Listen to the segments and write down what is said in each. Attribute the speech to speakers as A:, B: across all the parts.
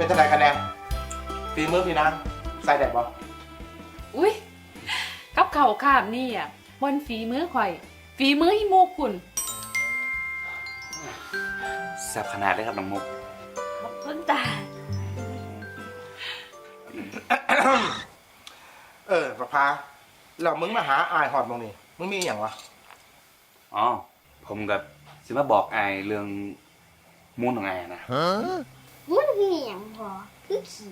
A: เป็นจังไดกันแน่ฝีมือพี่นางใส่แดดบ่
B: อุ้ยกับเข่าข้ามนี่อ่ะบนฝีมือข่อย ฝีมือฮิโมกุ่น
C: แซ่บขนาดเลยครับน้องมุก
B: ขอบคุณจ้า
A: ประภาแล้วมึงมาหาอายหอดมองนี่มึงมีอย่างวะ
C: อ๋อผมกับสิมาบอกไอเรื่องมูนของไอนะ
D: มุนคืออย่างพอคือขี่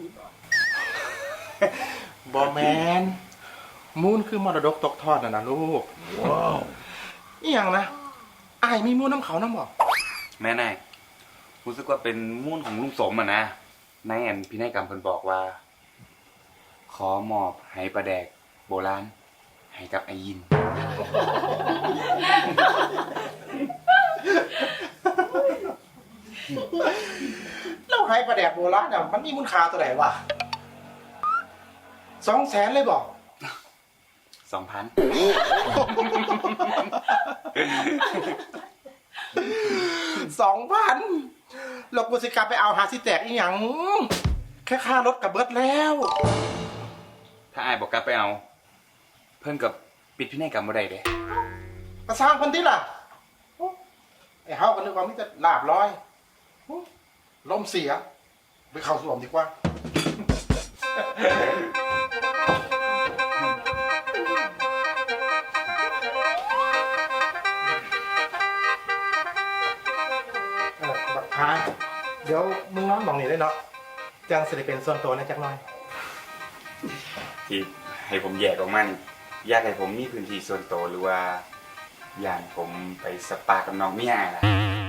A: บอแมนมูนคือมรดกตกทอดนะลูกว้าวอีหยังนะอายมีมูนน้ำเขาน้ำบ่
C: แม่นายรู้สึกว่าเป็นมูนของลุงสมอ่ะนะนายแอนพี่นายกรรมเพิ่นบอกว่า ขอมอบไหปลาแดกโบราณให้กับไอยิน
A: เราให้ปลาแดกโบราณเนี่ยมันมีมูลค่าตัวไหนวะ200,000เลยบอก
C: 2,000
A: 2,000เรากูสิกลับไปเอาหาสิแตกอีหยังแค่ค่ารถกับเบิดแล้ว
C: ถ้าไอบอกกลับไปเอา เพิ่นกับปิดพี่นายกรรมบ่ได้เด้
A: ก็สร้างคนที่ล่ะไอ้เฮากันนึกว่ามิจะลาบร้อยลมเสียไปเข้าสวมดีกว่าบักพายเดี๋ยวมึงนอนมองนี่ได้เนาะจังสิได้เป็นส่วนตัวนะจักหน่อย
C: ที่ให้ผมแยกออกมานี่อยากให้ผมมีพื้นที่ส่วนตัวหรือว่าอย่างผมไปสปากับน้องเมียล่ะ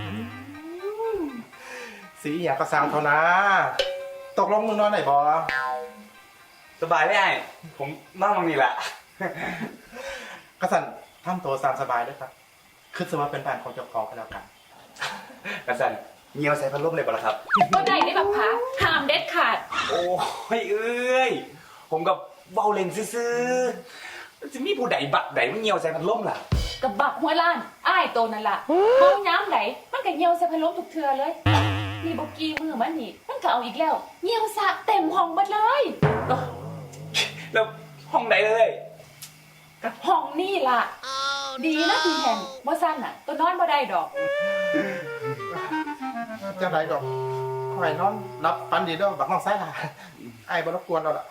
A: สีอยากก็สร้างเท่านะตกลงมึงนอนไหนบอ
C: สบายได้ผมนอนตรงนี้แหละ
A: กระสันทำตัวสามสบายด้วยครับคือสมมติเป็นแฟนของเจ้าของกันแล้วกัน
C: กระสันเงียวใส่พัดลมเลยป่ะล่ะครับ
B: บ่ได้ได้แบบพักห้ามเด็ดขาด
C: โอ้ยเอ้ยผมกับเบาเล่นซื่อๆจะมีผู้ใดบักใดมันเงียวใส่พัดลมล่ะ
B: กับบักหัวล้านอ้ายโตนั่นล่ะห้องน้ำไหนมันก็เหี่ยวใส่พัดลมทุกเทื่อเลยนี่บกี้มือมันนี่มันก็เอาอีกแล้วเหี่ยวสะเต็มห้องหมดเลย
C: แล้วห้องไหนเลย
B: กับห้องนี่ล่ะดีนะพี่แหงว่าสั้นอ่ะตัวนอนบ่ได้ดอก
A: จะไหนดอกหอยนอนรับฟันดีด้วยบักน้องไส้ล่ะไอ้บรบกวนเราละ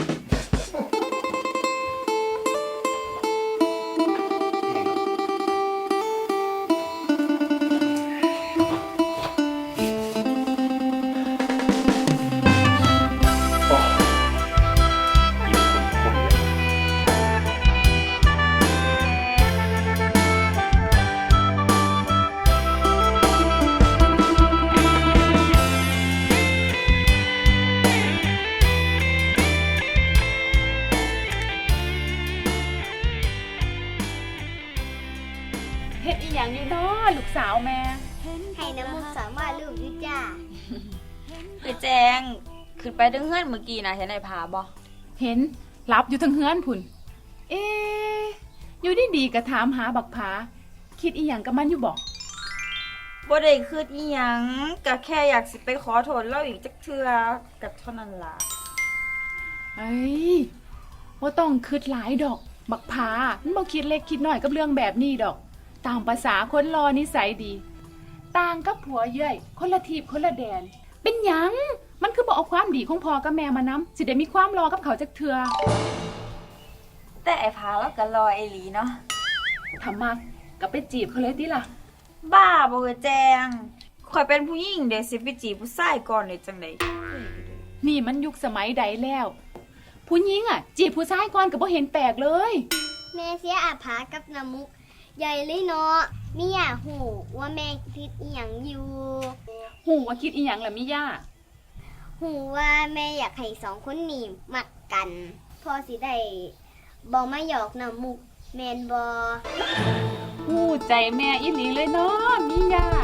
B: เฮ็ดอีหยังอยู่น้อลูกสาวแม่
D: ให้น้ำมุกสามารถลูกยุจ้า
E: ไปแจงขึ้นไปถึงเฮือนเมื่อกี้นะเห็นไอ้ผาบ่
B: เห็นรับอยู่ทั้งเฮือนพุ่นเอ๊อยู่ดีๆก็ถามหาบักผาคิดอีหยังกับมันอยู่บ่
E: บ่ได้คิดอีหยังก็แค่อยากสิไปขอโทษเราอีกจักเทื่อก็เท่านั้นล่ะ
B: เอ้ยบ่ต้องคิดหลายดอกบักผามันบ่คิดเล็กคิดน้อยกับเรื่องแบบนี้ดอกตามภาษาคนรอนิสัยดีต่างกับผัวเย้ยคนละทีคนละแดนเป็นหยังมันคือบอกเอาความดีของพ่อกับแม่มานำสิได้มีความรอกับเขาจักเทื่อ
E: แต่ไอ้ผาแล้วก็รอไอ้หลีเนาะ
B: ทำมาก็ไปจีบเขาเลยติล่ะ
E: บ้าบ่แจงข่อยเป็นผู้หญิงเดี๋ยวสิไปจีบผู้ชายก่อนได้จังได๋
B: นี่มันยุคสมัยใดแล้วผู้หญิงอ่ะจีบผู้ชายก่อนก็บ่เห็นแปลกเลย
D: แม่เสียอาภากับน้ำมุกใหญ่เลยเนาะมิย่าหูว่าแม่คิดอีหยังอยู่
B: หูว่าคิดอีหยังล่ะมิย่า
D: หูว่าแม่อยากให้2คนนี้มักกันพอสิได้บ่มาหยอกน้ำมุกแม่นบ่
B: หูใจแม่อีหลีเลยเนาะมิย่า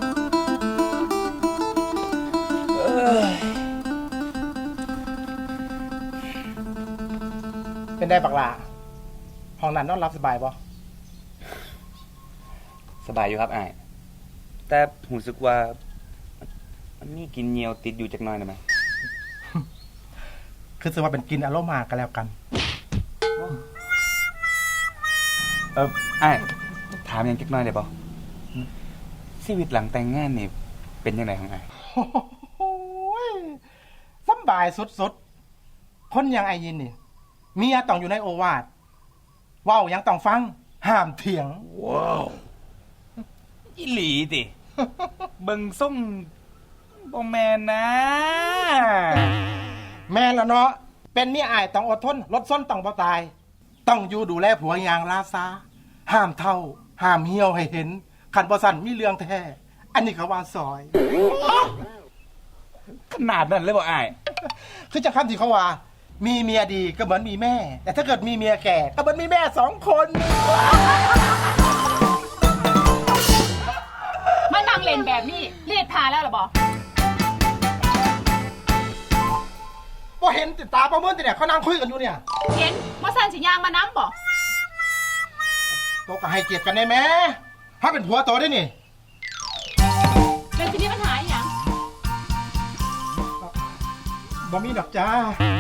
C: เ
A: เป็นได้บักหลาห้องนั้นนอนรับสบายบ่
C: สบายอยู่ครับอ้ายแต่รู้สึกว่ามันมีกลินเหนียวติดอยู่จักหน่อยได้ไหม
A: คือถือว่าเป็นกินอารมณ์มากันแล้วกัน
C: อ้ายถามหยังจักหน่อยได้บ่ชีวิตหลังแต่งงานนี่เป็นจังไดของอ้าย
A: โอ้ยสำบายสุดๆ คนอย่างไอยินนี่เมียต้องอยู่ในโอวาทเว้ายังต้องฟัง ห้ามเถียง
C: อีหลีติ เบิ่งส่งบ่แม่นนะ
A: แม่นละเนาะเป็นเมียอายต้องอดทนลดส้นต้องบ่ตาย ต้องอยู่ดูแลผัวอย่างลาซาห้ามเท่า ห้ามเหี่ยวให้เห็นคันบ่สั่นมีเรื่องแท้อันนี้เขาว่าซอย
C: ขนาดนั้นเลยบ่อ้าย
A: คือจะคำที่เขาว่า มีเมียดีก็เหมือนมีแม่ แต่ถ้าเกิดมีเมียแก่ก็เหมือนมีแม่2 คน
B: มานั่งเล่นแบบนี้เรียดพาแล้วเหรอบอ
A: พอเห็นติดตาประเมินติเนี่ยเขานั่งคุยกันอยู่เนี่ย
B: เห็นมาสั่นสิยางมาน้ำบ่
A: โตก็ให้เกียรติกันได้ไหมถ้าเป็นผัวโตได้นี่
B: แล้วทีนี้ปัญหาอหย่าง
A: บ่มีดอกจ้า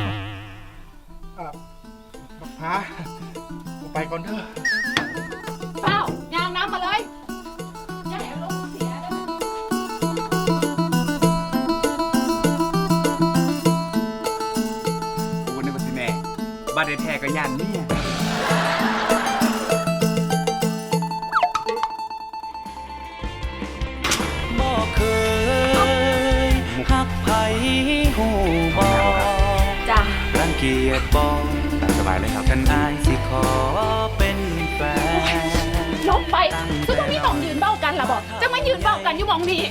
A: บักพาไปก่อนเถอะ
B: เปล่ายางน้ำมาเลยอย่าให้อารมณ์เสียเด้อ
C: กูนึกว่าสิแม่บัดได้แท้ก็ย่านเมีย
F: บ่เคยหักไผหูบ่
E: จ้ะ
F: รังเกียจบ่
C: สบายเลยครับ
F: ฉันอายสิขอเป็นแฟน
B: ลบไปซึ่งตรงนี้ต้องยืนเบ้ากันล่ะบอกจะมายืนเบ้ากันอยู่หมองนี้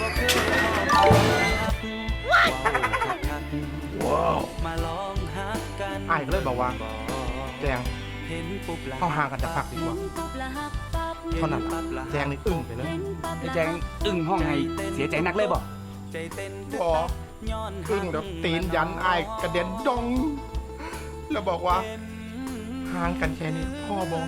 F: มาลองหักกัน
A: อ้ายก็เลยบอกว่า แจง
F: เห็นปุ๊บละ
A: เข้าห่างกันจะพักดีกว่าเท่านั้นล่ะแจงนี่อึ้งไปเลย
C: ไอ้แจงอึ้งห้องให้เสียใจนักเลยบ่
F: ใจเต้น
A: บอ
F: ย้อน
A: อึ้งแล้วตีนยันอ้ายกระเด็นดอง แล้วบอกว่าห่างกันแค่นี้พ่อบอก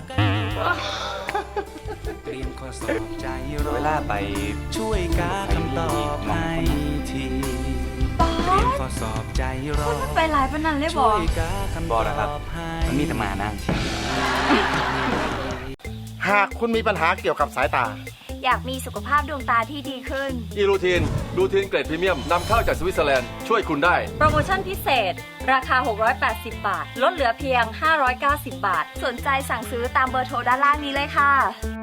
F: เตรียมข้อสอบใจรอ
C: เวลาไป
F: ช่วยกาคำตอบให้ทีเตรียมข้อสอบใจรอ
E: ไปหลายปานนั้นเลยบ
F: ช่
E: อ
F: วยกาคำต
C: บ่
F: อบ
C: นะครับ
F: ให้
C: มันมีแต่หมานะ
A: หากคุณมีปัญหาเกี่ยวกับสายตา
E: อยากมีสุขภาพดวงตาที่ดีขึ้น
G: อีรูทีนเกรดพรีเมียมนำเข้าจากสวิตเซอร์แลนด์ช่วยคุณได้
E: โปรโมชั่นพิเศษ ราคา 680 บาท ลดเหลือเพียง 590 บาท สนใจสั่งซื้อตามเบอร์โทรด้านล่างนี้เลยค่ะ